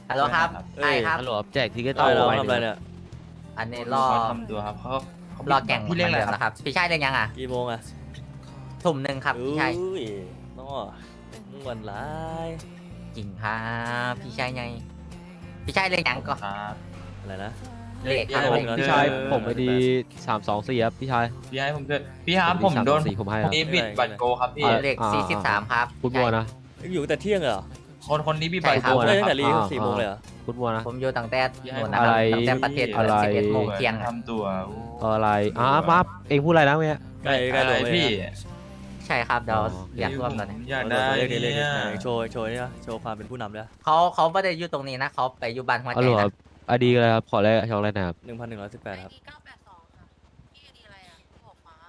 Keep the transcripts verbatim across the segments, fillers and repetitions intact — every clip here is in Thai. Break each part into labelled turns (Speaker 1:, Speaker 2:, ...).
Speaker 1: ฮัลโหลครับ
Speaker 2: เอ้
Speaker 1: ใช่
Speaker 2: ย
Speaker 1: ครับ
Speaker 3: ฮัลโหลแจกทิกเก็ต
Speaker 2: เอ้ยเรา
Speaker 3: ใบ
Speaker 2: ทำอะไรเนี่ย
Speaker 1: อันนี้รอ
Speaker 4: เขาทำตัวครับเขาเขา
Speaker 1: รอแก่ง
Speaker 4: พี่เรื่องอะไร
Speaker 1: หมืนดิม
Speaker 4: ครับ
Speaker 1: นะครับ พี่ชายเรียกยังอ่ะ
Speaker 2: กี่โมงอะ
Speaker 1: ทุ่มหนึ่งครับพี่ชาย
Speaker 2: อุ้ยน้อม่วันร้าย
Speaker 1: จริงครับพี่ชายไงพี่ชายเรียกยังก็
Speaker 4: ครับ
Speaker 2: อะไรนะ
Speaker 1: เลขครับ
Speaker 2: เออ
Speaker 1: เลข
Speaker 3: พี่ชาย
Speaker 2: เออ
Speaker 3: ผมไอดีสามสองสี่ครับพี่ชาย
Speaker 4: พี่ให้ผมด้วยพี่ครับผมโดน
Speaker 3: สี่ผมให้
Speaker 4: ค
Speaker 3: คน รับ
Speaker 4: นี้บิดบัตรโกครับพี่
Speaker 1: เลขสี่สิบสามครับ
Speaker 3: พูดมัวนะ
Speaker 2: อยู่ตั้งแต่เที่ยงเลยเหรอ
Speaker 4: คนคนนี้บิดบัตร
Speaker 1: ใช่ครั
Speaker 4: โก
Speaker 1: บ
Speaker 2: เอ้ย
Speaker 4: นะ
Speaker 2: ตั้ง
Speaker 4: ครั
Speaker 2: แต่
Speaker 4: บ
Speaker 2: รี
Speaker 3: อ่า
Speaker 2: สี่โมงเลยเหรอ
Speaker 3: พูดมัวนะ
Speaker 1: ผมอยู่ตั้งแต่
Speaker 4: พี่ให้
Speaker 1: นู่นนะครับ
Speaker 3: อะไร
Speaker 1: ตั้งแต่ประเทศ
Speaker 3: อะไร
Speaker 1: สิบเอ็ดโมงเที่ยงอะ
Speaker 4: ทำตัว
Speaker 3: อะไรอ่ะมาเองพูดอะไรนะเมื่อกี้
Speaker 2: ใกล้ใกล้
Speaker 4: อะไร
Speaker 2: ลงเลย
Speaker 4: พี่
Speaker 1: ใช่ครับเดี๋ยว
Speaker 3: อ๋อ
Speaker 1: อยากร่วมตอนนี้
Speaker 4: อยาก
Speaker 2: ได้
Speaker 4: ได้
Speaker 2: เรียกดิเรียกดิ
Speaker 4: เนี่ย
Speaker 2: ไหนโชว์โชว์นี่นะโชว์ความเป็นผู้นำด้วย
Speaker 1: เขาเขาไม่ได้อยู่ตรงนี้นะเขาไปอยู่บ้านหัว
Speaker 3: ฮัล
Speaker 1: ใจ
Speaker 3: โหลค
Speaker 1: นะ
Speaker 3: รับไอดีอะไรครับขอแรกช่องแรกนะครับ
Speaker 2: หนึ่งพันหนึ่งร้อยสิบแปดครับ
Speaker 5: เก้าแปดสองค่ะพี่ไอดีอะไรอ่ะหัวฟ้า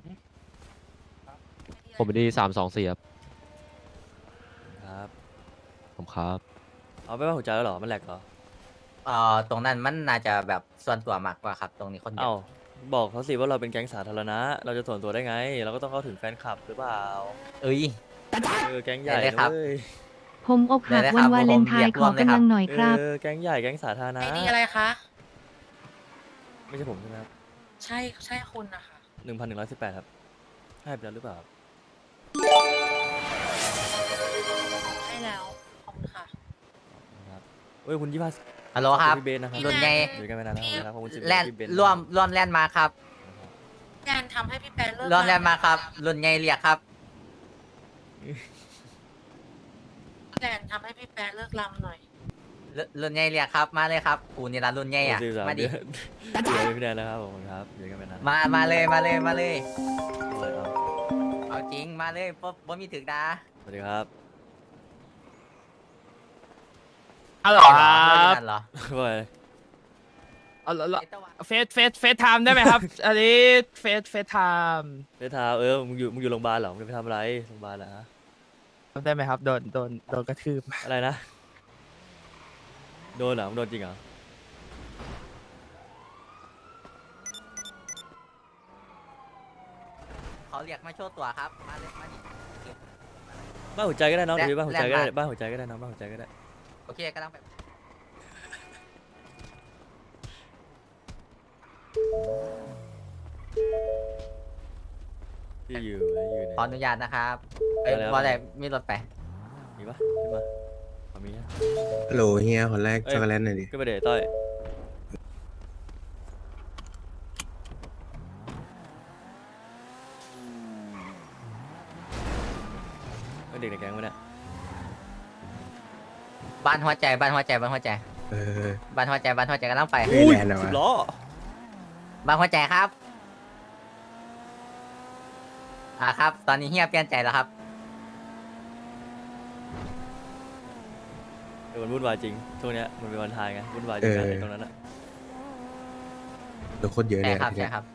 Speaker 3: ผมไอดีสามสองสี่ครับ
Speaker 2: ครับ
Speaker 3: ผมครับ
Speaker 2: เอาไปว่าหัวใจแล้วเหรอมันแหลกเหรอ
Speaker 1: เอ่อตรงนั้นมันน่าจะแบบส่วนตัวมากกว่าครับ ตรงนี้คนเดีย
Speaker 2: เอ้าว บอกเขาสิว่าเราเป็นแก๊งสาธารณะเราจะส่วนตัวได้ไง เราก็ต้องเข้าถึงแฟนคลับหรือเปล่า
Speaker 1: เอ้ย
Speaker 2: เออแก๊งใหญ่
Speaker 1: ได้เลยครับ
Speaker 2: เว้ย
Speaker 6: ผมอกหัก
Speaker 1: ได้เลยค
Speaker 6: วั
Speaker 1: รั
Speaker 6: น
Speaker 1: บ
Speaker 6: วาเลนไท
Speaker 1: ผมอยา
Speaker 6: น์
Speaker 1: ก
Speaker 6: ข
Speaker 1: ร่ว
Speaker 6: อ
Speaker 1: มเลยครับ
Speaker 6: กำลังหน่อยครับ
Speaker 2: เออแก๊งใหญ่แก๊งสาธารณะ
Speaker 5: ไอดีอะไรคะ
Speaker 2: ไม่ใช่ผมใช่ไหมครับ
Speaker 5: ใช่ใช่คุณนะคะ
Speaker 2: หนึ่งพันหนึ่งร้อยสิบแปดครับให้ไปแล้วหรือเปล่าครับ
Speaker 5: ใช่แล้ว ขอบคุณค่ะ
Speaker 2: ครับเอ้ยคุณยี่ห้า
Speaker 1: ฮัลโหลครับ
Speaker 2: พี่เบนนะครับ
Speaker 1: รุ่นใหญ่
Speaker 2: อยู่กันมานานแล้วครับขอบคุณสิบ
Speaker 1: แลน
Speaker 2: พี่เบน
Speaker 1: ร่วมร่วมแลนมาครับ
Speaker 5: แจนทำให้พี่แปนเลิก
Speaker 1: ร่วมแลนมาครับ รุ่นใหญ่เรียกครับ
Speaker 5: แจนทำให้พี่แปนเลิกลำหน่อย
Speaker 1: รุ่นรุ่นใหญ่เรียกครับมาเลยครับกูนี่ละรุ่นใหญ่อะ
Speaker 2: สิบสาม
Speaker 1: มาดิ
Speaker 2: เดือนอยู่กับพี่แดนแล้วครับผมครับอยู่กันมานาน
Speaker 1: มามาเลยมาเลยมาเลย
Speaker 2: เลยครับ
Speaker 1: เอาจริงมาเลยบ่บ่มีถึกดา
Speaker 2: สวัสดีครับ
Speaker 7: ฮัลโหลครับ
Speaker 1: นั่นเหรอ
Speaker 2: ว่าไง
Speaker 7: เอาละละ
Speaker 1: ไอ้ตะวัน
Speaker 7: เฟสเฟสเฟสไทม์ได้ไหมครับ อันนี้เฟสเฟสไทม์
Speaker 2: ไปทาเออมึงอยู่มึงอยู่โรงพยาบาลเหรอมึงจะไปทำอะไรโรงพยาบาลเหรอฮะ
Speaker 7: ได้ไหมครับโดนโดนโดนกระทืบ
Speaker 2: อะไรนะโดนเหรอมึงโดนจริงเหรอ
Speaker 1: เขาเรียกมาโชว์ตัวครับมาเลยมาดิ
Speaker 2: บ้านหัวใจก็ได้น้อง
Speaker 1: แล
Speaker 2: หรือบ้านหัวใจก็ได้
Speaker 1: แลกมา
Speaker 2: บ้านหัวใจก็ได้น้องบ้านหัวใจก็ได้
Speaker 1: โอเคกำลังไป
Speaker 2: ที่อยู่ที่อยู่เนี่ย
Speaker 1: ขออนุญาตนะครับเอ้ย
Speaker 2: ได้แล้ว
Speaker 1: ว่าแต่มีรถไป
Speaker 2: มีปะขึ้นมาขอมีนะ
Speaker 8: ฮัลโหลเฮียคนแรก
Speaker 2: เอ้ย
Speaker 8: ช็อกโกแลตหน่อยดิ
Speaker 2: ขึ้นไปเดี๋ยวต้อยเป็นเด็กในแก๊งวะเนี่ย
Speaker 1: บ้านหัวใจบ้านหัวใจบ้านหัวใจ
Speaker 8: เออ
Speaker 1: บ้านหัวใจบ้านหัวใจกำลังไป
Speaker 8: เฮ้ยแลนด์เหรอ
Speaker 2: สิบ
Speaker 8: วะ
Speaker 2: ล้อ
Speaker 1: บ้านหัวใจครับอ่าครับ ตอนนี้เฮียเปลี่ยนใจแล้วครับ
Speaker 2: เออมันวุ่นวายจริงช่วงเนี้ยมันเป็นวันทายไงวุ่นวายจริงนะไอ้ตรงนั้นอะ
Speaker 8: เดี๋ยวโคตรเยอะเล
Speaker 1: ใช่
Speaker 8: ย
Speaker 1: ครับ
Speaker 8: ทีเนี้
Speaker 1: ใช่
Speaker 8: ย
Speaker 1: ครับ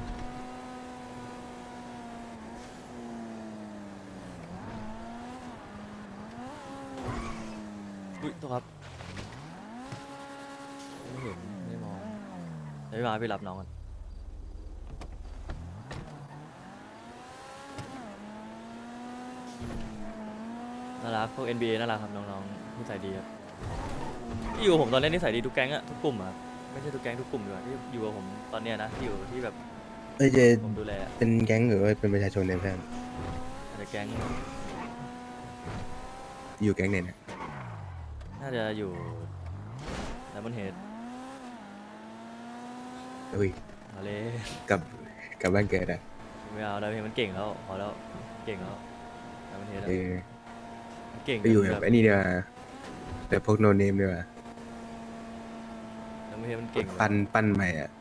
Speaker 2: อุ้ยตัวครับไม่เห็นไม่มองเดี๋ยวพี่มาพี่รับน้องกันน่ารักพวก เอ็น บี เอ น่ารักครับน้องๆนิสัยดีครับที่อยู่กับผมตอนนี้นิสัยดีทุกแก๊งอะทุกกลุ่มอะครับไม่ใช่ทุกแก๊งทุกกลุ่มด้วยที่อยู่กับผมตอนเนี้ยนะที่อยู่ที่แบบ
Speaker 8: เอ้ยเจ
Speaker 2: ผมดูแลอะ
Speaker 8: เป็นแก๊งหรือว่าเป็นประชาชนเนี่ยเพื่อน
Speaker 2: อาจจะแก๊ง
Speaker 8: อยู่แก๊งไหนเนี่ย
Speaker 2: น่าจะอยู่แต่มันเฮด
Speaker 8: อุ้ย
Speaker 2: มาเลย
Speaker 8: กลับกลับบ้านเกิดอ่ะ
Speaker 2: ไม่เอาแล้วเพลงมันเก่งแล้วพอแล้วเก่งแล้วแต่มันเฮด
Speaker 8: เออ
Speaker 2: มันเก่ง
Speaker 8: ไปอยู่แบบไอ้นี่ดีกว่าแบบพวกโนเนมดีกว่า
Speaker 2: แต่มันเฮดมันเก่ง
Speaker 8: ปั้นปั้นใหม่อ่ะ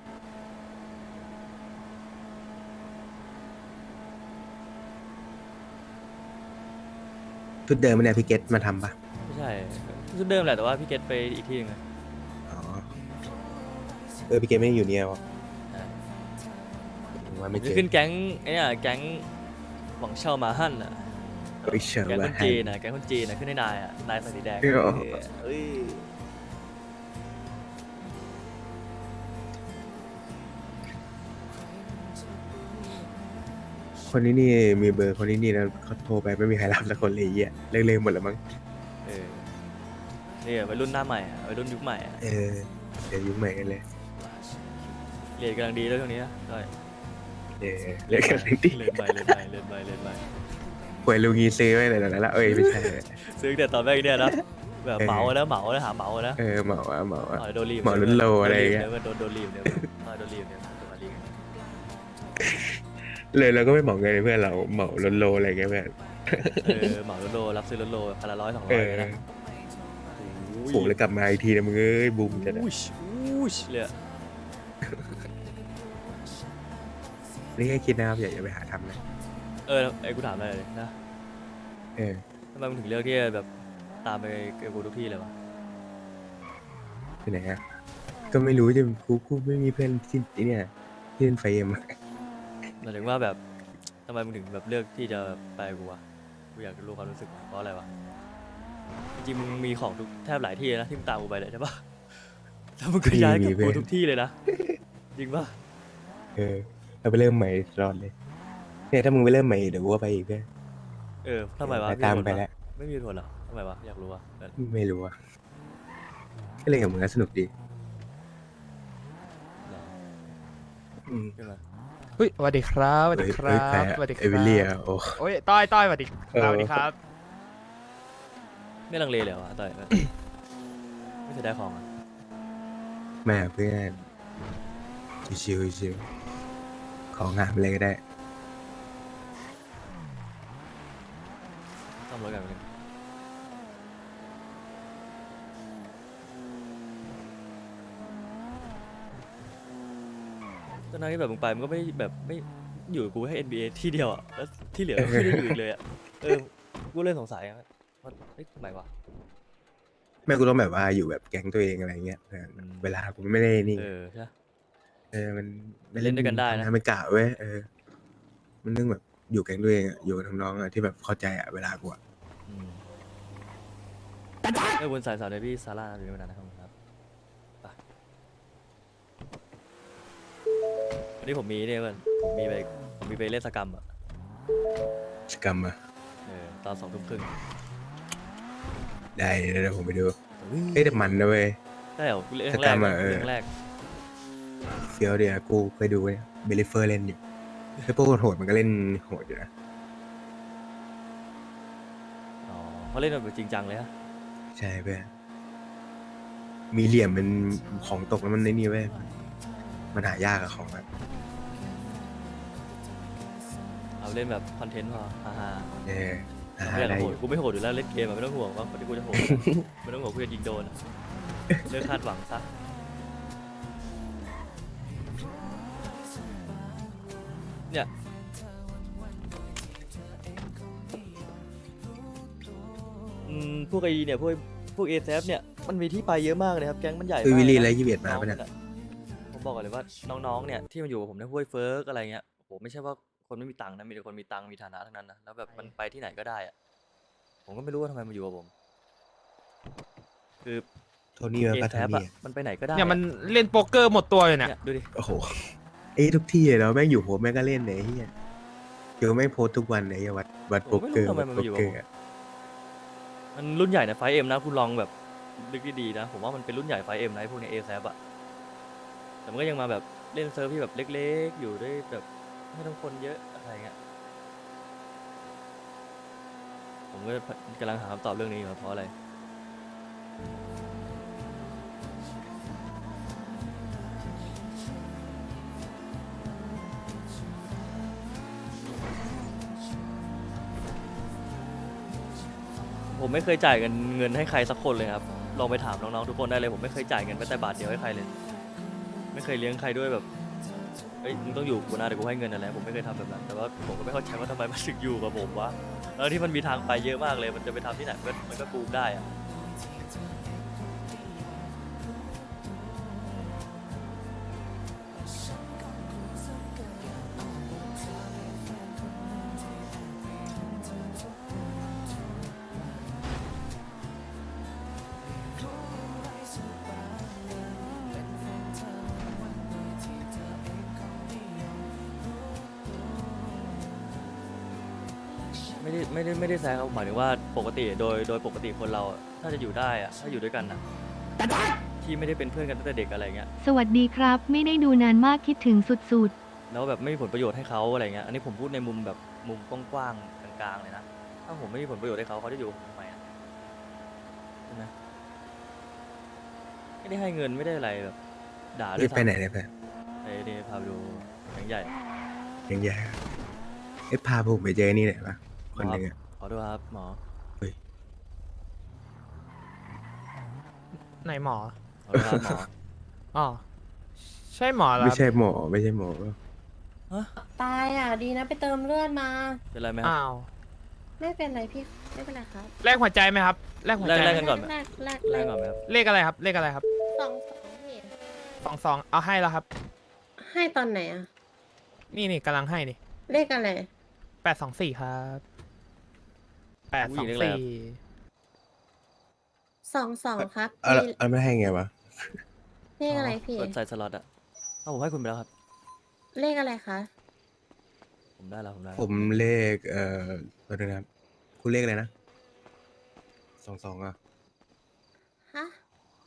Speaker 8: ชุดเดิมมันเนี่ยพี่เกตมาทำปะ
Speaker 2: ไม่ใช่ชุดเดิมแหละแต่ว่าพี่เกตไปอีกที่หนึงอะ
Speaker 8: อ๋อเออพี่เกตไม่ได้อยู่เนี่ยวะ
Speaker 2: ใช่
Speaker 8: ผมว่า
Speaker 2: ผม
Speaker 8: ไม่เจ
Speaker 2: จะ
Speaker 8: อ
Speaker 2: ขึ้นแก๊งไอ้เนี่ยแก๊งหวังเช่ามาฮั่นอ่ะ
Speaker 8: เอ้ยเชิญ
Speaker 2: แก๊งค
Speaker 8: ว่าน
Speaker 2: จีนนะแก๊งคนจีนนะขึ้นให้นายอ่ะนายใส่สีแดง
Speaker 8: เอ้ยอ๋อ
Speaker 2: เอ้ย
Speaker 8: คนนี้นี่มีเบอร์คนนี้นี่แล้วเขาโทรไปไม่มีใครรับสักคนเลยไอ้เหี้ยเลิกๆหมดแล้วมั้ง
Speaker 2: เออนี่วัยรุ่นหน้าใหม่อะวัยรุ่นยุคใหม่อะ
Speaker 8: เออเดี๋ยวยุ่งใหม่กันเลย
Speaker 2: เรียนกำลังดีแล้วช่วงนี้นะได้
Speaker 8: เออเรียกกันดิ
Speaker 2: เรียนไปเรียนไปเรียนไปเรียนไป
Speaker 8: ป่วยลูกีซื้อไว้เลยนะแล้วเอ้ยไม่ใช่
Speaker 2: ซื้อแต่ตอนแรกเนี่ยนะแบบ
Speaker 8: เออ
Speaker 2: เหมาแล้วเหมาแล้วหาเหมาแล้ว
Speaker 8: เออเหมาอะเหมาอะ
Speaker 2: อ๋อโดนรีบ
Speaker 8: เหมาลุ้นโลอะไรอย่างเงี้ย
Speaker 2: เดี๋ยวโดนโดนรีบเนี่ยอ๋อโดนรีบเนี่ยโดนมารีบ
Speaker 8: เลยเราก็ไม่เหมาเงินให้เพื่อนเราเหมาลดโลอะไรเงี้ยเพื่อน
Speaker 2: เออเหมาลุ้นโลรับซื้อลุ้นโลพันละร้อยสองร้
Speaker 8: เอ
Speaker 2: อย
Speaker 8: อ
Speaker 2: เลยนะ
Speaker 8: โหแล้วกลับมาอีกทีนะมึงเอ้ยบูมจะนะ
Speaker 2: อุ้ยอุ้ยเลยอะ
Speaker 8: นี่แค่คิดนะครับอย่าอย่าไปหาทำนะ
Speaker 2: เออไอ้กูถามอะไรเลยนะ
Speaker 8: เออ
Speaker 2: ทำไมมึงถึงเลือกที่จะแบบตามไปกับกูทุกที่เลยวะ
Speaker 8: ไปไหนอะก็ไม่รู้จะกูกูไม่มีเพื่อนที่ไอ้เนี่ยที่เล่นไฟเอ็มอะ
Speaker 2: หมายถึงว่าแบบทำไมมึงถึงแบบเลือกที่จะไปกับกูวะกูอยากรู้ความรู้สึกเพราะอะไรวะจริงๆมึงมีของทุกแทบหลายที่นะที่มึงตามกูไปเลยใช่ปะแล้วมึงก็ย้ายกับกูทุกที่เลยนะจริงปะ
Speaker 8: เออเราไปเริ่มใหม่ตลอดเลยเนี่ยถ้ามึงไปเริ่มใหม่เดี๋ยวกูก็ไปอีกเพื่อน
Speaker 2: เออทำไมวะ
Speaker 8: ตามไปแล้ว
Speaker 2: ไม่มีเหตุผลเหรอทำไมวะอยากรู้วะเออ
Speaker 8: ไม่รู้อะก็เลยกับมึงก็สนุกดี
Speaker 2: เหรอ
Speaker 8: อืม
Speaker 2: ใช่ไหม
Speaker 7: เฮ้ยสวัสดีครับสวัสดีค
Speaker 8: เอ้
Speaker 7: รั
Speaker 8: ยใคร
Speaker 7: บ
Speaker 8: อะ
Speaker 7: สวัสดีค
Speaker 8: เอ
Speaker 7: รับ
Speaker 8: วิเลียโอ้
Speaker 7: โอ้ยต้อยต้อยสวัสดีค
Speaker 8: เออ
Speaker 7: รับสวัสดีครับ
Speaker 2: ไม่ลังเลเลยเหรอวะต่อยไม่ไม่เสียดายของอ่ะ
Speaker 8: แม่เพื่อนชิวๆชิวๆของงามเลยก็ได้
Speaker 2: ซ่อมรถกันไปเลยตอนนั้นที่แบบมึงไปมันก็ไม่แบบไม่อยู่กับกูให้ เอ็น บี เอ ที่เดียวอ่ะแล้วที่เหลือก็ไม่ได้อยู่อีกเลยอ่ะเออกูเลยสงสัยอะว่าเฮ้ยทำไมวะ
Speaker 8: แม่กูต้องแบบว่าอยู่แบบแก๊งตัวเองอะไรเงี้ยเออ
Speaker 2: อืม
Speaker 8: เวลากูไม่ได้นี่
Speaker 2: เออใช่ปะ
Speaker 8: เออมันไม่
Speaker 2: เล่นด้วยกันได้นะ
Speaker 8: ทำงาไม่กะเว้ยเออ มันนึงแบบอยู่แก๊งตัวเองอะอยู่กับน้องๆอะที่แบบเข้าใจอะเวลากูอะ
Speaker 2: อืมเออวนสายสาวเดบี้ซาร่าอยู่ไม่นานนะครับครับไปวันนี้ผมมีเนี่ยเพื่อนผมมีไปผมมีไปเล่นสกรรมอ่ะ
Speaker 8: สกรรมอะ
Speaker 2: เออตอนสองทุ่มครึ่ง
Speaker 8: ได้เดี๋ยวผมไปดูเอ้ยแต่มันนะเว้ย
Speaker 2: ได้เหรอเรื่อง
Speaker 8: ส
Speaker 2: แร
Speaker 8: กรร
Speaker 2: ก
Speaker 8: มอะเออ
Speaker 2: เรื่องแรก
Speaker 8: เฟียวเดียวกูเคยดูเว้ยเบลิเฟอร์เล่นอยู่ไอ้พวกโหดมันก็เล่นโหดอยู่นะ
Speaker 2: อ๋อเขาเล่นแบบจริงจังเลยฮะ
Speaker 8: ใช่เพื่อนมีเหลี่ยมเป็นของตกแล้วมันในนี่เว้ยมันหายากอะของอะ
Speaker 2: เอาเล่นแบบคอนเทนต์พอฮ่าฮ่า
Speaker 8: เออ
Speaker 2: ไม่
Speaker 8: หา
Speaker 2: อยาก
Speaker 8: ได้
Speaker 2: โห
Speaker 8: อ
Speaker 2: ด
Speaker 8: ยู่
Speaker 2: กูไม่โหดอยู่แล้วเล่นเกมอะไม่ต้องห่วงว่าคนที่กูจะโหด ไม่ต้องห่วงกูจะยิงโดนอะเลิกคาดหวังซะเนี่ยอืมพวกไอเนี่ยพวกพวกเอซเนี่ยมันมีที่ไปเยอะมากเลยครับแก๊งมันใหญ่
Speaker 8: คือ
Speaker 2: มาก
Speaker 8: วิลลี่
Speaker 2: นะ
Speaker 8: และยี่สิบเอ็ดมา
Speaker 2: น้อง
Speaker 8: ปะ
Speaker 2: มั
Speaker 8: เนี่ย
Speaker 2: นอะผมบอกก่อนเลยว่าน้องๆเนี่ยที่มาอยู่กับผมในห้วยเฟิร์กอะไรเงี้ยโอ้โหไม่ใช่ว่าคนไม่มีตังค์นะมีแต่คนมีตังค์มีฐานะทั้งนั้นนะแล้วแบบมันไปที่ไหนก็ได้อะผมก็ไม่รู้ว่าทำไมมาอยู่กับผม คือ
Speaker 8: โทนี่มา
Speaker 2: เอ
Speaker 8: ปะ
Speaker 2: แซ
Speaker 8: โท
Speaker 2: อะ
Speaker 8: นี่อะ
Speaker 2: มันไปไหนก็ได้
Speaker 7: เนี่ยมัน
Speaker 2: อะ
Speaker 7: เล่นโป๊กเกอร์หมดตัวอยู่เนี่ย
Speaker 2: เนี่ยดูดิ
Speaker 8: โอ้โหไอ้ทุกที่เลยแล้วแม่งอยู่โหแม่งก็เล่นไหนเฮียเดี๋ยวแม่งโพสต์ทุกวันไหนวัดวัดโป๊กเกอร์วัดโป๊กเกอร์อะ
Speaker 2: มันรุ่นใหญ่ในไฟเอ็มนะคุณลองแบบลึกดีๆนะ ผมว่ามันเป็นรุ่นใหญ่ไฟเอ็มนะไอ้พวกเนี้เอแซอะแต่มันก็ยังมาแบบเล่นเซิร์ฟที่แบบเล็กๆ อยู่ด้วยแบบไม่ต้องคนเยอะอะไรเงี้ยผมก็กำลังหาคำตอบเรื่องนี้อยู่ครับเพราะอะไร ผมไม่เคยจ่ายเงินเงินให้ใครสักคนเลยครับลองไปถามน้องๆทุกคนได้เลยผมไม่เคยจ่ายเงินแม้แต่บาทเดียวให้ใครเลย ไม่เคยเลี้ยงใครด้วยแบบเอ้ยมึงต้องอยู่กูนะเดี๋ยวกูให้เงินอะไรผมไม่เคยทำแบบนั้นแต่ว่าผมก็ไม่เข้าใจว่าทำไมมันถึงอยู่กับผมวะแล้วที่มันมีทางไปเยอะมากเลย มันจะไปทำที่ไหนมันก็มันก็กูมได้อะไม่ได้ไม่ได้ไม่ได้แซงครับหมายถึงว่าปกติโดยโดยปกติคนเราอะถ้าจะอยู่ได้อะถ้าอยู่ด้วยกันอะที่ไม่ได้เป็นเพื่อนกันตั้งแต่เด็กอะไรเงี้ย
Speaker 6: สวัสดีครับ ไม่ได้ดูนานมากคิดถึงสุด
Speaker 2: แล้วแบบไม่มีผลประโยชน์ให้เขาอะไรเงี้ยอันนี้ผมพูดในมุมแบบมุมกว้างๆกลางๆเลยนะถ้าผมไม่มีผลประโยชน์ให้เขาเขาจะอยู่กับผมทำไมอะใช่ไหมไม่ได้ให้เงินไม่ได้อะไรแบบด่าด้ว
Speaker 8: นี่
Speaker 2: ย
Speaker 8: ไปไหน
Speaker 2: ซ้ำ
Speaker 8: เนี่ยไป
Speaker 2: ไปนี่พาไปดูแบงค์ใหญ่
Speaker 8: ยังไงเอ้ยพาผมไปเจอนี่หน่อยปะคนหนึ่งอะ
Speaker 2: ขอโทษครับหมอ
Speaker 7: ไหนหมอ
Speaker 2: ขอโทษครับหมอ
Speaker 7: อ๋อ ใช่หมอเหรอ
Speaker 8: ไม่
Speaker 7: ครับ
Speaker 8: ใช่หมอไม่ใช่หมอ
Speaker 9: ตายอ่ะ ดีนะไปเติมเลือดมา
Speaker 2: เป็นไรไหมครับ
Speaker 7: อ้าว
Speaker 9: ไม่เป็นไรพี่ ไม่เป็นไรครับ
Speaker 7: แลกหัวใจไหมครับ แลกหัวใจ
Speaker 2: แลก
Speaker 7: ไหม
Speaker 2: กันก่อนไหม
Speaker 9: แรกแรก
Speaker 2: แร
Speaker 9: แร
Speaker 2: ก
Speaker 9: ก
Speaker 2: ก่อนไหมครับ
Speaker 7: เลขอะไรครับ เลขอะไรครับ
Speaker 9: สองสองพี่
Speaker 7: สองสองเอาให้แล้วครับ
Speaker 9: ให้ตอนไหนอ่ะ
Speaker 7: นี่นี่กำลังให้นี่
Speaker 9: เลขอะไร
Speaker 7: แปดสองสี่ครับแปด
Speaker 2: ผู้
Speaker 7: ส
Speaker 2: ห
Speaker 7: อ
Speaker 2: ญิ
Speaker 7: ง
Speaker 2: งเลขอะไร
Speaker 7: สี่
Speaker 9: สองสองครับ
Speaker 8: เอาละ
Speaker 9: พี่
Speaker 8: เอาไม่ให้ไงวะ
Speaker 9: เลขอะไรพี่
Speaker 2: กดใส่สล็อตอะเอาผมให้คุณไปแล้วครับ
Speaker 9: เลขอะไรคะ
Speaker 2: ผมได้แล้วผมได้แล้ว
Speaker 8: ผมเลขเอ่อขอโทษนะครับคุณเลขอะไรนะสองสองอ่ะ
Speaker 9: ฮะ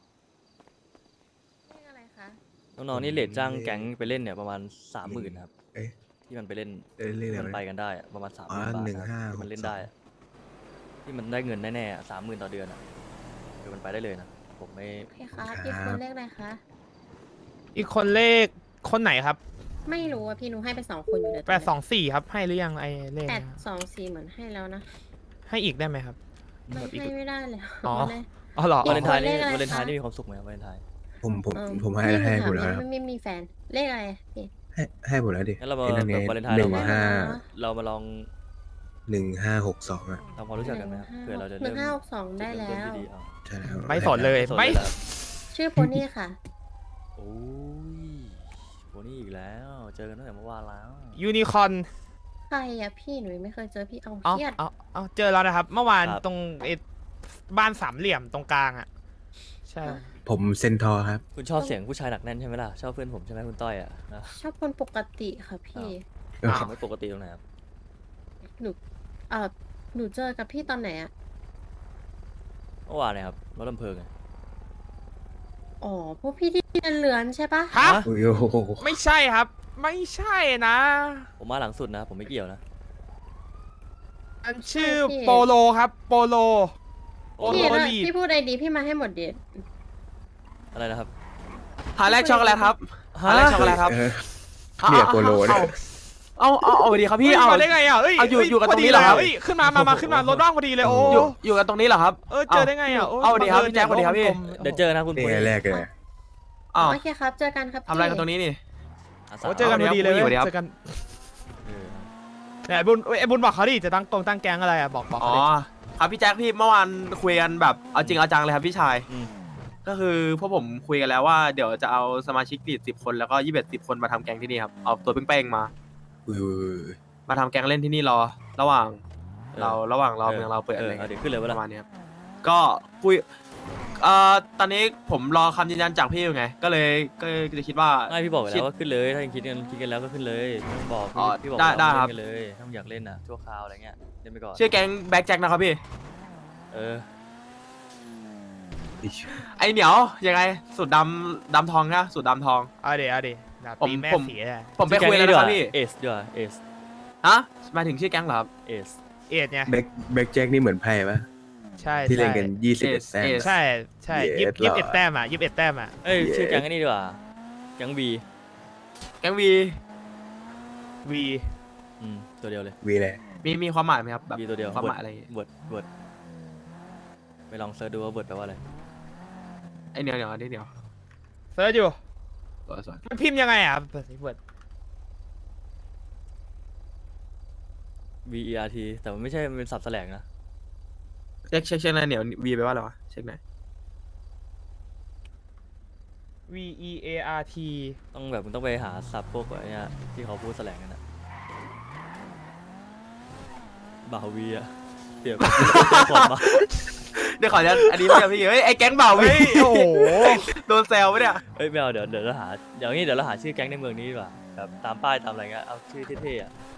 Speaker 9: เลขอะไรคะ
Speaker 2: น้องๆนี่เลทจ้างแก๊งไปเล่นเนี่ยประมาณสามหมื่นครับ
Speaker 8: เอ๊ะ
Speaker 2: ที่มันไปเล่น
Speaker 8: เอ้ยเลข
Speaker 2: ที่
Speaker 8: อะไร
Speaker 2: มัน
Speaker 8: วะ
Speaker 2: ไปกันได้อะประมาณสามห
Speaker 8: อ๋อ
Speaker 2: มื่นบาท
Speaker 8: หนึ่ง
Speaker 2: นะ
Speaker 8: ห้า
Speaker 2: ที่มันเล่น
Speaker 8: หกสอง
Speaker 2: ได้อะที่มันได้เงินแน่ๆสามหมื่นต่อเดือนอะคือมันไปได้เลยนะผมไม่
Speaker 9: โอเคครับอีกคนเลขอะไรคะ
Speaker 7: อีกคนเลขคนไหนครับ
Speaker 9: ไม่รู้อ่ะพี่หนูให้ไปสองคนอยู่เลย
Speaker 7: แปดสองสี่ครับ ให้หรือยังไอเลข
Speaker 9: แปด
Speaker 7: เนี่ย
Speaker 9: สองสี่เหมือนให้แล้วนะ
Speaker 7: ให้อีกได้ไหมครับ
Speaker 9: มัน
Speaker 7: แบบอีก
Speaker 9: ให้ไม่ได้เลย
Speaker 7: อ๋อ
Speaker 9: มันเลย
Speaker 7: อ๋อเหรอ
Speaker 9: อี
Speaker 2: วาก เลนไทน์นี่
Speaker 9: เลขอะไร
Speaker 2: วาเลนไทน์
Speaker 9: คะ
Speaker 2: นี่มีความสุขไหมครับวาเลนไทน์
Speaker 8: ผมผม
Speaker 9: เอิ่
Speaker 8: ผมให้
Speaker 9: พี่
Speaker 8: ให้
Speaker 9: นู
Speaker 8: หมด
Speaker 9: ถา
Speaker 8: แล้วครับ
Speaker 9: ไม่ไม่มีแฟน เลขอะไรพี่
Speaker 8: ให้ให้หมดแล้วดิ
Speaker 2: งั้นเรามา
Speaker 8: ไอ้นั่นไง
Speaker 2: แบบวาเลนไทน์
Speaker 8: ห
Speaker 2: เรา
Speaker 8: นึ่ง
Speaker 2: มา
Speaker 8: ห้า
Speaker 2: เรามาลอง
Speaker 8: หนึ่งห้าหกสองอ่ะ
Speaker 2: ทำความรู้จักกันไหมครับเผื่อเราจะ
Speaker 9: ห
Speaker 2: เริ่
Speaker 9: นึ่
Speaker 2: ม
Speaker 9: งห้าหกสองได้
Speaker 2: จุ
Speaker 9: แล้
Speaker 2: เริ่ม
Speaker 9: ว
Speaker 2: ต้นที่ดีเอา
Speaker 8: ใช่แล้ว
Speaker 7: ไม่สนเลย
Speaker 2: สน
Speaker 7: ไม่
Speaker 2: เลยเหรอ
Speaker 9: ชื่อโพนี่ค่ะ
Speaker 2: โอ้ยโหนี่อีกแล้ว เจอกันตั้งแต่เมื่อวานแล้ว
Speaker 7: ยูนิคอน
Speaker 9: ใครอะพี่หนูยังไม่เคยเจอพี่เอา
Speaker 7: เอา
Speaker 9: เครียด
Speaker 7: เอาเอาเจอแล้วนะครับ เมื่อวาน
Speaker 2: ครับ
Speaker 7: ตรงไอ้บ้านสามเหลี่ยมตรงกลางอ่ะ ใช่
Speaker 8: ผมเซนทอร์ครับ
Speaker 2: คุณชอบเสียงผู้ชายหนักแน่นใช่ไหมล่ะ ชอบเพื่อนผมใช่ไหมคุณต้อยอ่ะนะ
Speaker 9: ชอบคนปกติค่ะพี่
Speaker 7: อ้าว
Speaker 2: ผมไม่ปกติตรงไหนครับ
Speaker 9: หนูเออหนูเจอกับพี่ตอนไหนอะ
Speaker 2: เมื่อวานเนี่ยครับรถลำเพลิงไง
Speaker 9: อ๋อพวกพี่ที่เดินเรือนใช่ปะ
Speaker 7: ฮะ
Speaker 2: ฮะ
Speaker 8: โอ้โห
Speaker 7: ไม่ใช่ครับ ไม่ใช่นะ
Speaker 2: ผมมาหลังสุดนะ ผมไม่เกี่ยวนะ
Speaker 7: อันชื่อโปโลครับโปโล โอ้โห
Speaker 9: พี่แล้ว
Speaker 7: ลีด
Speaker 9: พี่พูดไอดีพี่มาให้หมดดิ
Speaker 2: อะไรนะครับ
Speaker 10: หาแรกช็อกโกแลตครับหาแรกช็อกโกแลตครับ
Speaker 8: เออเนี่ยโปโลเนี่ย
Speaker 10: เอาเอาเอาดีครับพี่
Speaker 7: เฮ้ย
Speaker 10: เอา
Speaker 7: มาได้ไงอ่ะเอ้ย
Speaker 10: เอาอยู่
Speaker 7: เฮ้
Speaker 10: อยู่กัน
Speaker 7: พ
Speaker 10: ตรงนี้เหรอครับ
Speaker 7: ลยเอ้ยขึ้นมามามาขึ้นมารถว่างพอดีเลยโอ้
Speaker 10: อยู่อยู่กันตรงนี้เหรอครับ
Speaker 7: เออเจอได้ไงอ่ะโ
Speaker 10: เอาดีครับ
Speaker 7: บัง
Speaker 10: พี่แจ็คสวัสดีครับพี่
Speaker 7: กลมๆ
Speaker 2: เดี๋ยวเจอนะคุณ
Speaker 8: นี่
Speaker 2: ปุ้ย
Speaker 8: ไงแรกเลย
Speaker 10: อ้าว
Speaker 9: โอเคครับ เจอกันครับพี่
Speaker 10: ทำอะไรกันตรงนี้นี่
Speaker 2: อาสา
Speaker 7: โอ้เจอกันพอดีเลย
Speaker 10: สวัสดีครับ
Speaker 7: เจอกัน
Speaker 2: เออ
Speaker 7: เนี่ยไอ้บุญเอ้ยไอ้บุญบอกเขาดิจะตั้งกงตั้งแก๊งอะไรอ่ะบอกบอก
Speaker 10: อ๋
Speaker 7: เขา
Speaker 10: อ
Speaker 7: ดิ
Speaker 10: ครับพี่แจ็คพี่เมื่อวานคุยกันแบบเอาจริงเอาจังเลยครับพี่ชาย
Speaker 2: อืม
Speaker 10: ก็คือพวกผมคุยกันแล้วว่าเดี๋ยวจะเอาสมาชิกติดสิบคนแล้วก็ยี่สิบเอ็ดสิบคนมาทำแก๊งที่นี่ครับเอาตัวเป้งๆมา
Speaker 8: อุ้ย
Speaker 10: มาทำแก๊งเล่นที่นี่รอ ระหว่าง
Speaker 2: ออ
Speaker 10: เราระหว่างเรา
Speaker 2: ออ
Speaker 10: เมืองเราเปิด
Speaker 2: เอ
Speaker 10: อะไร
Speaker 2: อเอา
Speaker 10: เงี้ย
Speaker 2: เดี๋ยวขึ้นเลยเว
Speaker 10: ป
Speaker 2: ลา
Speaker 10: ระมาณนี้ครับก็คุยเอ่อตอนนี้ผมรอคำยืนยันจากพี่อยู่ไง ก็เลยก็เลยจะคิดว่า
Speaker 2: ไม่พี่บอกไป
Speaker 10: คิ
Speaker 2: แล้
Speaker 10: ด
Speaker 2: วว่าขึ้นเลยถ้ายังคิดกันคิดกันแล้วก็ขึ้นเลยไม่ต้องบอก
Speaker 10: อ๋อ
Speaker 2: พี่พี่บอก
Speaker 10: ได้
Speaker 2: ว่า
Speaker 10: ได้
Speaker 2: เล่น
Speaker 10: ครับ
Speaker 2: กันเลยถ้ามึงอยากเล่นอ่ะชั่วคราวอะไรเงี้ยเล่นไปก่อน
Speaker 10: ชื่อแก๊งแบ็คแจ็คนะครับพี่
Speaker 2: เออ
Speaker 8: อิ๊ย
Speaker 10: ไอเหนียวยังไงสูตรดำดำทองนะสูตรดำทอง
Speaker 7: เอาเดี๋ยวเอาดี๋ยวดาบ
Speaker 10: ผม
Speaker 7: ตีแม่
Speaker 10: ผม
Speaker 7: เสียอะ
Speaker 10: ผมไปคุยแล้วนะครับพี่
Speaker 2: เอสดีกว่าเอส
Speaker 10: ฮะหมายถึงชื่อแก๊งเหรอครับ
Speaker 2: เอส
Speaker 7: เอ็ดไง
Speaker 8: แบ็คแบ็คแจ็คนี่เหมือนไพ่ปะ
Speaker 7: ใช่
Speaker 8: ที่เล่น
Speaker 7: ใช่
Speaker 8: กันยี่สิบเอ็ด
Speaker 10: เอส
Speaker 8: แต้ม
Speaker 10: เอส
Speaker 7: ใช่ใช่
Speaker 8: เย็
Speaker 7: ยี่
Speaker 8: ด
Speaker 7: สิบเอ็ด
Speaker 8: หรอ
Speaker 7: แต้มอ่ะยี่สิบเอ็ดแต้มอ่ะ
Speaker 2: เอ้ย
Speaker 8: เย้
Speaker 2: ชื่อแก๊งไอ้นี่ดีกว่าแก๊งวี
Speaker 10: แก๊งวี
Speaker 7: วี
Speaker 2: อืมตัวเดียวเลย
Speaker 8: วีเลย
Speaker 10: มีมีความหมายไหมครับแบบ
Speaker 2: วีตัวเดียว
Speaker 10: ความหมายอะไรอย่างงี้
Speaker 2: เวิร์ดเวิร์ดไปลองเซิร์ชดูว่าเวิร์ดแปลว่าอะไร
Speaker 10: ไอเหนียวเหนียวนี่เหนียว
Speaker 7: เซิร์ชอยู่
Speaker 10: สวยสวย
Speaker 7: มันพิมพ์ยังไงอ่ะเปิดสิเปิด
Speaker 2: V E R T แต่มันไม่ใช่มันเป็นสับแสลงนะ
Speaker 10: เช็คเช็คเช็คอะไรเหนียววีไปลว่าอะไรวะเช็คหน่อย
Speaker 7: V E A R T
Speaker 2: ต้องแบบมึงต้องไปหาสับพวกไอ้เนี่ยที่เขาพูดแสลงกันอะบาวีอะเปรียบผมมา
Speaker 10: เดี๋ยวขอจะอันนี้เดี๋ยวพี่เฮ้ยไอแก๊งเบาวี
Speaker 7: เฮ้ยโอ้โห
Speaker 10: โดนแซวปะเนี่ย
Speaker 2: เอ้ยไม่เอาเดี๋ยวเดี๋ยวเราหาเดี๋ยวงี้เดี๋ยวเราหาชื่อแก๊งในเมืองนี้ดีกว่าแบบตามป้ายตามอะไรเงี้ยเอาชื่อเท่ๆอะ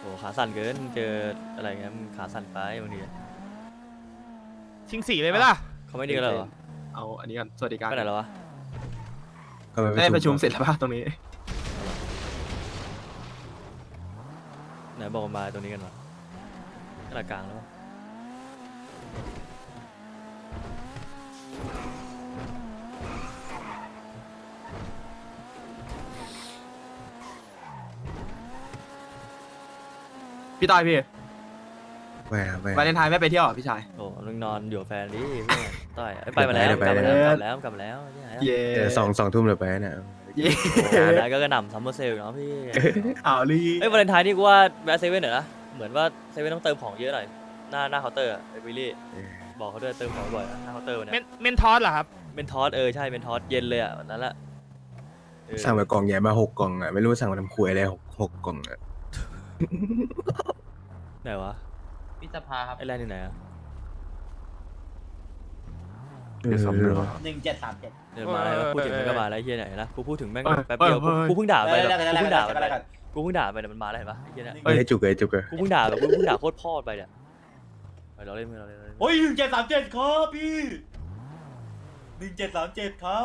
Speaker 2: โอ้ขาสั่นเกินเจออะไรเงี้ยมึงขาสั่นไปบางที
Speaker 7: ชิงสีเลยไหมล่ะ
Speaker 2: เขาไม่ดีกันเลยเหรอ
Speaker 10: เอาอันนี้กันสวัสดิการ
Speaker 2: ไปไหนแล้ววะ
Speaker 8: ก็ไป
Speaker 10: ได้ประชุมเสร็จแล้วป่ะตรงนี้
Speaker 2: ไหนบอกมาตรงนี้กันวะกระกลางแล้ววะ
Speaker 10: พี่ตายพี่
Speaker 8: ไปครับไป
Speaker 10: วาเลนไทน์ไม่ไปเที่ยวเหรอพี่ชาย
Speaker 2: โอ้มึงนอนอยู่กับแฟนดิเพื่อนต้อยเอ้ยไปมาแล้วกลับมาแล้วกลับแล้วกลับแล้วเนี่ย
Speaker 10: เย่
Speaker 8: เดี๋ยวสองสองทุ่มเลยไปนะ
Speaker 10: เย่
Speaker 2: โอ้โหได้ก็กระหน่ำซัมเมอร์เซลเนาะพี่
Speaker 10: เอาลี
Speaker 2: เอ้ยวาเลนไทน์นี่กูว่าแวะเซเว่นหน่อยนะเหมือนว่าเซเว่นต้องเติมของเยอะหน่อยหน้าหน้าเคาน์เตอร์ไอ้วิลลี่บอกเขาด้วยเติมของบ่อยนะหน้าเคาน์เตอร์วัน
Speaker 7: เม
Speaker 2: เนี้
Speaker 7: น
Speaker 2: ย
Speaker 7: เมนทอสเหรอครับ
Speaker 2: เป็นทอสเออใช่เป็นทอสเย็นเลยอ่ะวันนั้นแหละเออ
Speaker 8: สั่งไปกล่องใหญ่มาหกกล่องอ่ะไม่รู้สั่งมาทำครัวอะไรหกหกกล่องอ่ะ
Speaker 2: ไหนวะ
Speaker 4: พิสภาครับ
Speaker 2: ไอ้แรนอยู่ไหนอะ
Speaker 8: เดี๋ยวสองเรื่อง
Speaker 4: หนึ่งเจ็ดสามเจ็ด
Speaker 2: เดินมาแล้วพูดถึงมันก็มาแล้วไอ้เฮียไหนนะกูพูดถึงแม่ง
Speaker 10: เอ้ย
Speaker 2: แป๊บเดียว
Speaker 10: เอ้ย
Speaker 2: กูเพิ่งด่าไป
Speaker 4: เอ้ย
Speaker 2: แบบ
Speaker 4: แล้วกัน
Speaker 2: กูเพิ่งด่าไป
Speaker 4: แล้วกัน
Speaker 2: กูเพิ่งด่าไปแต่มันมาแล้วเห็นปะไอ้เฮียเนี่ย
Speaker 8: เฮ้ยจุกเลยจุกเลย
Speaker 2: กูเพิ่งด่าแบบกูเพิ่งด่าโคตรพ่อไปเนี่ยไปเราเล่นเราเล่นเราเล่น
Speaker 4: โอ้ยหนึ่งเจ็ดสามเจ็ดครับพี่หนึ่งเจ็ดสามเจ็ดครับ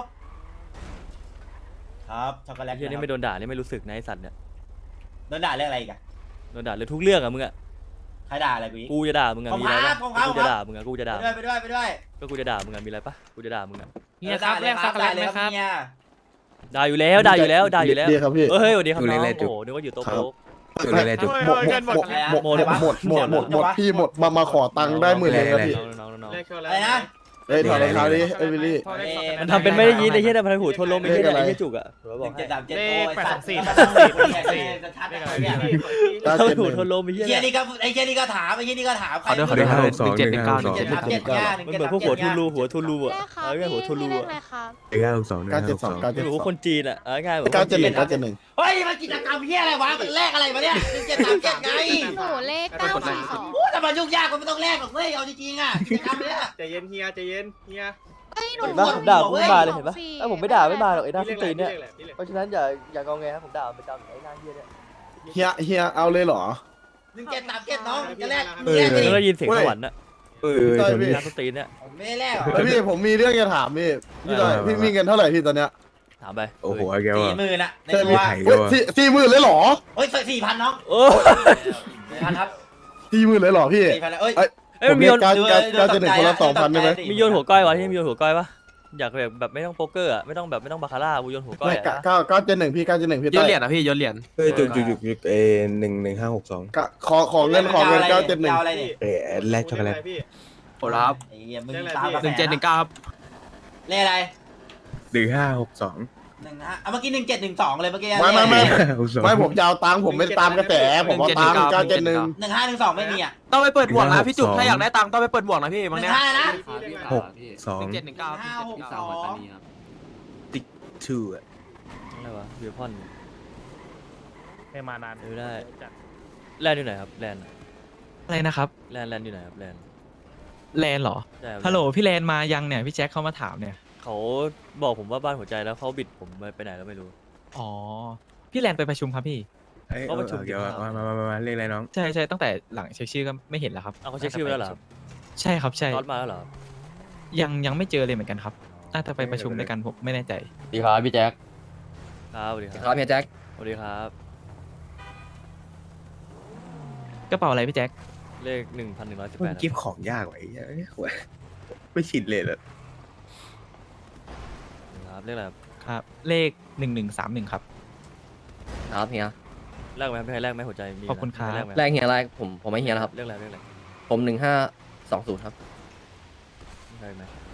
Speaker 4: ครับช็อกโกแล
Speaker 2: ไอ้
Speaker 4: ต
Speaker 2: เฮียนี่ไม่โดนด่านี่ไม่รู้สึกนะไอ้สัตว์เนี่ย
Speaker 4: โดนด่าเรื่องอะไรอีกอะ
Speaker 2: โดนด่าเลยทุกเรื่องอะมึงอะ
Speaker 4: ใครด่าอะไรกูอีก
Speaker 2: กูจะด่ามึงอะ
Speaker 4: ผม
Speaker 2: มีอะไร
Speaker 4: ครั
Speaker 2: ปะ
Speaker 4: บผมครับ
Speaker 2: กูจะด่ามึงอะกูจะด่า
Speaker 4: ไปด้วยไปด้วยไปด้วย
Speaker 2: ก็กูจะด่ามึงอะมีอะไรปะกูจะด่ามึงอะ
Speaker 4: เฮียครับแลกช็อกโกแลตไหมครับเฮีย
Speaker 2: ด่าอยู่แล้วด่าอยู่แล้วด่าอยู่แล้ว
Speaker 11: ดีครับพี่
Speaker 2: เฮ้ยสวัสดีครับน้องโอ้โหนึกว่าอยู่โต๊ะโต๊ะ
Speaker 8: จุกเลยจุก
Speaker 7: เฮ้ยเฮ้ยเงินหมด
Speaker 11: หมดหมดหมดหมดหมดหมดพี่หมดมามาขอตังค์ได้หมื่นเลยครับพี่
Speaker 2: น้องๆน้องๆ
Speaker 4: อะไรนะ
Speaker 11: เอ้ยถอดรองเท้าดิเอ้ยวิลลี่
Speaker 2: มันทำเป็นไม่ได้ยินไอ้เหี้ยแต่มันหูทนลมไอ้เหี้ย
Speaker 11: เลขอะไร
Speaker 2: ไอ้เหี้ยจุกอะเดี๋ยว
Speaker 4: ห
Speaker 2: บอ
Speaker 4: นึ่
Speaker 2: ก
Speaker 4: ง
Speaker 2: ให้
Speaker 4: เจ็ดสามเจ็ด
Speaker 7: เล
Speaker 4: โอ้
Speaker 7: ข
Speaker 4: ย
Speaker 7: แปด
Speaker 4: สั
Speaker 7: ส
Speaker 4: ต
Speaker 7: อง
Speaker 4: ว์
Speaker 7: สี่
Speaker 4: แป
Speaker 7: แป
Speaker 4: ด
Speaker 7: ด
Speaker 4: ส
Speaker 7: ส
Speaker 4: อ
Speaker 7: อง ง
Speaker 4: สี่
Speaker 7: สี่
Speaker 4: ชัดๆเนี่ย
Speaker 11: เก้า
Speaker 2: เขา
Speaker 11: เจ็ดห
Speaker 2: หู
Speaker 11: นึ่ง
Speaker 2: ทนลมไอ้เหี้ย
Speaker 4: เฮีย
Speaker 2: เนี่ย
Speaker 4: นี่ก็ไอ้เฮียนี่ก็ถามไอ้เฮียนี่ก็ถาม
Speaker 10: ขอด้วยขอด้วย
Speaker 8: ห้าหกสอง
Speaker 10: หนึ่ง
Speaker 8: ห
Speaker 10: เจ็ด
Speaker 8: นึ่
Speaker 10: ห
Speaker 8: ง
Speaker 10: นึ่ง
Speaker 8: ห้า
Speaker 10: เก้า
Speaker 8: หก
Speaker 10: หนึ่ง
Speaker 8: สอง
Speaker 10: เจ็ด
Speaker 4: เจ็ดสามเจ็ดเนี่ย
Speaker 2: มันเหมือนพวกหัวทุลูหัวทุลูอะเอาง่ายหัวทุลูอะ
Speaker 8: หนึ่งห้าหกสองหนึ่ง
Speaker 11: เก้า
Speaker 8: ห้า
Speaker 11: เจ็
Speaker 8: ห
Speaker 11: ด
Speaker 8: ก
Speaker 11: ส
Speaker 8: ส
Speaker 11: อ
Speaker 8: อง ง
Speaker 11: เก้าเจ็ด
Speaker 2: เหมือน
Speaker 11: ส
Speaker 2: พ
Speaker 11: อ
Speaker 2: วก
Speaker 11: ง
Speaker 2: คนจีนอะเอาง่ายเหมือน
Speaker 11: เก้าเจ็ดหนึ่งเก้าเจ็ดหนึ่ง
Speaker 4: เฮ้ยมันกิจกรรมเฮียอะไรวะมันแลกอะไรวะเนี่ยหนึ่งเจ็ดสามเจ็ดไง
Speaker 9: หนูเลขเก้าสี่สอง
Speaker 4: โอ้แต่มันยุ่งยากกว่าไม่ต้องแลกหรอกเว้ยเอาจริงๆอ่ะกิจกรรมเนี่ย
Speaker 10: ใจเย็นเฮียใจเย็นเฮีย
Speaker 9: เอ้ยหนู
Speaker 2: เห็นปะผมด่าผมไม่มาเลยเห็นปะ
Speaker 9: สี่
Speaker 2: ถ้าผมไม่ด่าไม่มาหรอกไอ้หน้า
Speaker 10: พี่
Speaker 2: ส้น
Speaker 10: เรียก
Speaker 2: ตีน
Speaker 10: อะไร
Speaker 2: เนี่ย
Speaker 10: พี่เรียกอะไรพี่เรียก
Speaker 2: เพราะฉะนั้นอย่าอย่างอแงครับผมด่ามันประจำไอ้หน้าเหี้ยเนี่ย
Speaker 11: เฮียเฮียเอาเลยเหรอ
Speaker 4: หนึ่งเจ็ดสามเจ็ดน้องจะแลก
Speaker 8: เออ
Speaker 4: แลกไปดิ
Speaker 2: แล้วก็ยินเสียงสวรรค์อะ
Speaker 8: เออ
Speaker 11: ใช่
Speaker 8: ตรง
Speaker 11: พี่
Speaker 8: นี้
Speaker 2: หน้าส้นตีนเนี่ย
Speaker 4: ผมไม่ได้แลกหรอก
Speaker 11: เฮ้ยพี่ผมมีเรื่องจะถามพี่พี่ต้อย
Speaker 8: เออ
Speaker 11: พี่มีเงินเท่าไหร่พี่ตอนเนี้ย
Speaker 2: ถามไป
Speaker 8: โอ้โหแก
Speaker 4: สี่
Speaker 8: ว่า
Speaker 4: หมื่นอะใน
Speaker 11: ใช่
Speaker 4: ตั
Speaker 11: พี่
Speaker 4: ว
Speaker 8: ไถ่
Speaker 11: เฮ้ยสี่สี่หมื่นเลยเหรอ
Speaker 4: เฮ้ยสี่พันน้อง
Speaker 2: โอ้
Speaker 4: สี่พันครับ
Speaker 11: สี่หมื่นเลยเหรอพี่
Speaker 4: สี่พันแล้วเอ้ย
Speaker 11: เอ้ย
Speaker 2: เอ้ยมันมีโยน
Speaker 11: เก้าเก้าเก้าเจ็ดหนึ่งคนละสองพันได้ไหม
Speaker 2: มีโยนหัวก้อยวะที่มีโยนหัวก้อยวะอยากแบบแบบไม่ต้องโป๊กเกอร์อะไม่ต้องแบบไม่ต้องบาคาร่ากูโยนหัวก้อย
Speaker 11: ไม่
Speaker 2: อะ
Speaker 11: เก้าเก้าเก้าเจ็ดหนึ่งพี่เก้าเจ็ดหนึ่งพี่
Speaker 10: โย
Speaker 11: ต้อน ย
Speaker 10: เหรียญอ่ะพี่โยนเหรียญ
Speaker 8: เฮ้ยจุกจุกจุกจุกเอหนึ่งหนึ่งห้าหกสอง
Speaker 11: กะขอขอเงินขอเงินเก้าเจ็ดหนึ่ง
Speaker 4: เอาอะไรนี่
Speaker 8: เอแลกช็อกโกแลต
Speaker 10: โอ้ครับ
Speaker 4: ไอ้เหี้ยมึงตามกระแส
Speaker 10: หนึ่งเจ็ดหนึ่งเก้าครับ
Speaker 4: เลขอะไร
Speaker 8: หนึ่งห้าหกสอง
Speaker 4: หนึ่งฮะเอาเมื่อกี้หนึ่งเจ็ดหนึ่งสองเลยเมื่อกี้
Speaker 11: ไม่ไม่ไม่
Speaker 8: หกสอง
Speaker 11: ไม่ผมจะเอาตังค์ผมไม่ตามกระแสผมเอาตังค์เก้าเจ็ดหนึ่ง
Speaker 4: หนึ่งห้าหนึ่งสองไม่มีอ่ะ
Speaker 10: ต้องไปเปิดบวกนะพี่จุกถ้าอยากได้ตังค์ต้องไปเปิดบวกนะพี่
Speaker 4: ห
Speaker 10: บาง
Speaker 4: นึ่
Speaker 10: เนี้
Speaker 4: ง
Speaker 10: ย
Speaker 4: ห้านะ
Speaker 8: หกสอง
Speaker 10: หนึ่งเจ็ดหนึ่งเก้า
Speaker 4: ห้าหกสอง
Speaker 8: ติ๊กทูอ่ะ
Speaker 2: อะไรวะเบียร์พอน
Speaker 7: ให้มานาน
Speaker 2: เออได้แลนด์อยู่ไหนครับแลนด์อะ
Speaker 12: อะไรนะครับ
Speaker 2: แลนด์แลนด์อยู่ไหนครับแลนด์
Speaker 12: แลนเหรอ
Speaker 2: ใช่ครับ
Speaker 12: ฮัลโหลพี่แลนมายังเนี่ยพี่แจ็คเข้ามาถามเนี่ย
Speaker 2: เขาบอกผมว่าบ้านหัวใจแล้วเขาบิดผมไปไหนแล้วไม่รู้
Speaker 12: อ๋อพี่แลนไปประชุมครับพี่
Speaker 8: เอ้ย
Speaker 2: เขาประชุม
Speaker 8: เดี๋ยวมามามามามาเรียกอะไรน้อง
Speaker 12: ใช่ใช่ตั้งแต่หลังเช็คชื่อก็ไม่เห็นแล้วครับ
Speaker 2: เอาเขาเช็คชื่อไว้แล้วเหรอครับ
Speaker 12: ใช่ครับใช่
Speaker 2: ตอนมาแล้วเหรอครับ
Speaker 12: ยังยังไม่เจอเลยเหมือนกันครับน่าจะไปประชุมด้วยกันผมไม่แน่ใจ
Speaker 2: ดีครับพี่แจ็คครับสวัสดีครับ
Speaker 1: ครับเฮียแจ็ค
Speaker 2: สวัสดีครับ
Speaker 12: กระเป๋าอะไรพี่แจ็ค
Speaker 2: เลขหนึ่งพันหนึ่งร้อยสิบ
Speaker 8: มั
Speaker 2: แป
Speaker 8: น
Speaker 2: ด
Speaker 8: กิฟต์ของยากไว้เอ้ยโหไม่ชิดเลยเหรอ
Speaker 2: ครับเลขอะไรครับ
Speaker 12: ครับ เลขหนึ่งหนึ่งสามหนึ่งครับ
Speaker 1: ครับเฮีย
Speaker 2: แลกไหมพี่ให้แลกไหมหัวใจมี
Speaker 12: ขอบคุณครับ
Speaker 2: ให้แลกไหม
Speaker 1: แรกเฮียอะไรผมผมไม่เฮียนะครับ
Speaker 2: เลขอะไรเลขอะไร
Speaker 1: ผมหนึ่งห้าสองศูนย์ครับ
Speaker 2: ได้ไหม